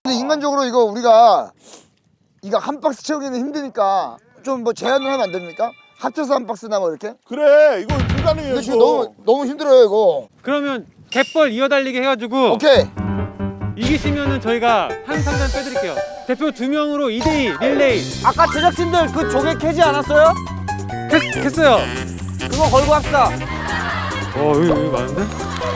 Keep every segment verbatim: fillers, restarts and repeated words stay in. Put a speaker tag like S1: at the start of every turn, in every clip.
S1: 근데 인간적으로 이거 우리가 이거 한 박스 채우기는 힘드니까 좀 뭐 제한을 하면 안 됩니까? 합쳐서 한 박스나 뭐 이렇게?
S2: 그래 이거 불가능해요.
S1: 근데 지금 너무 너무 힘들어요 이거.
S3: 그러면 갯벌 이어달리기 해가지고
S1: 오케이.
S3: 이기시면은 저희가 한 상단 빼드릴게요. 대표 두 명으로 이 대 이 릴레이.
S4: 아까 제작진들 그 조개 캐지 않았어요?
S3: 했, 했어요.
S4: 그거 걸고 합시다.
S3: 어 여기 여기 많은데?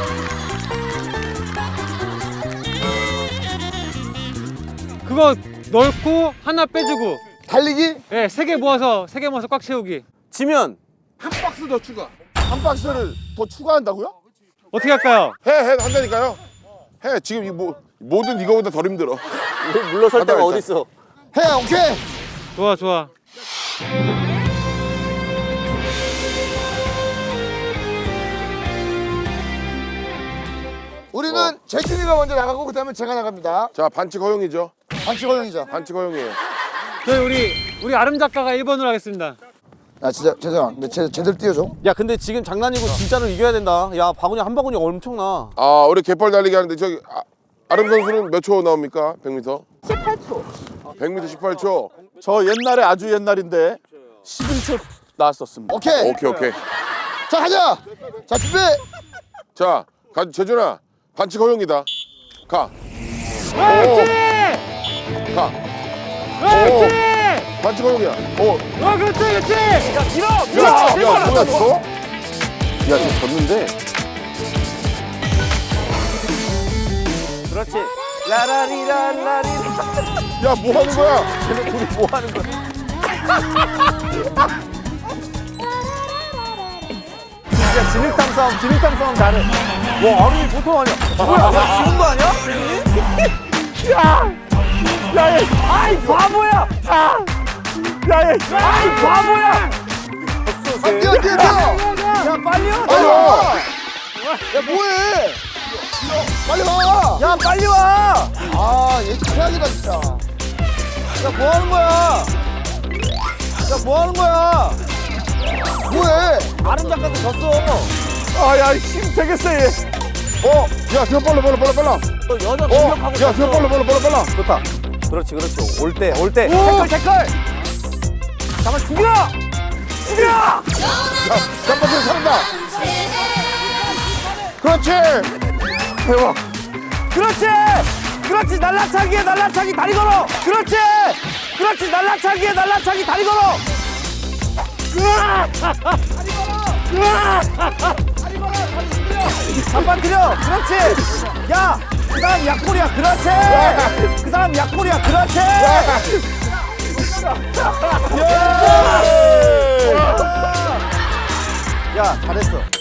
S3: 그거 넣고 하나 빼주고.
S1: 달리기?
S3: 네, 세 개 모아서 세 개 모아서 꽉 채우기.
S4: 지면
S2: 한 박스 더 추가. 한 박스를 더 추가한다고요?
S3: 어떻게 할까요?
S2: 해, 해 한다니까요. 해 지금 이 뭐 뭐든 이거보다 덜 힘들어.
S4: 물러설 데가
S2: 하다
S4: 어디 있어?
S1: 해 오케이.
S3: 좋아 좋아.
S1: 우리는 재준이가 먼저 나가고 그다음에 제가 나갑니다.
S2: 자 반칙 허용이죠.
S1: 반칙 허용이죠.
S2: 반칙 허용이에요.
S3: 저희 우리 우리 아름 작가가 일 번으로 하겠습니다.
S1: 야 진짜 재준아, 근데 제 제대로 뛰어줘.
S4: 야 근데 지금 장난이고 진짜로 이겨야 된다. 야 바구니 한 바구니 엄청나.
S2: 아 우리 갯벌 달리기 하는데 저기 아, 아름 선수는 몇 초 나옵니까? 백 미터?
S5: 십팔 초.
S2: 백 미터 십팔 초.
S6: 저 옛날에 아주 옛날인데 십일 초 나왔었습니다.
S1: 오케이.
S2: 오케이 오케이.
S1: 자 가자. 자 준비.
S2: 자 가, 재준아 반칙 허용이다. 가.
S3: 그렇지!
S2: 가.
S3: 그렇지!
S2: 반칙 허용이야. 오.
S3: 어 그렇지 그렇지!
S2: 야, 야, 야, 뭐야 저? 야, 저 졌는데.
S4: 그렇지. 라라리라라리.
S2: 야, 뭐 하는 거야?
S4: 쟤네 둘이 뭐 하는 거야? 진짜 진흙탕 싸움, 진흙탕 싸움 잘해. 와 아름이 보통 아니야. 뭐야? 야 지는 거 아니야? 야, 야, 얘, 아이 바보야. 아, 야, 얘, 아이 바보야.
S1: 아, 뛰어 뛰어 뛰어.
S4: 야 빨리 와.
S1: 빨리 와. 야 뭐해? 빨리 와.
S4: 야 빨리 와.
S1: 아, 얘 최악이다 진짜.
S4: 야 뭐 하는 거야? 야 뭐 하는 거야?
S1: 뭐해?
S4: 아름 작가도 졌어.
S6: 아, 야, 힘 되게 세. 얘.
S2: 어, 야, 수영 빨라, 빨라, 빨라, 빨라.
S4: 너 여자
S2: 어,
S4: 공격하고
S2: 야, 수영 빨라, 빨라, 빨라, 빨라.
S4: 좋다. 그렇지 그렇지. 올 때 올 때. 태클 태클. 잠깐 죽여. 죽여.
S2: 야, 짬바스를 사는다. 그렇지.
S4: 대박. 그렇지. 그렇지 날라차기에 날라차기 다리 걸어. 그렇지. 그렇지 날라차기에 날라차기 다리 걸어. 한번 들여. 그렇지. 야, 그 사람 약골이야. 그렇지. 그 사람 약골이야. 그렇지. 야, 잘했어.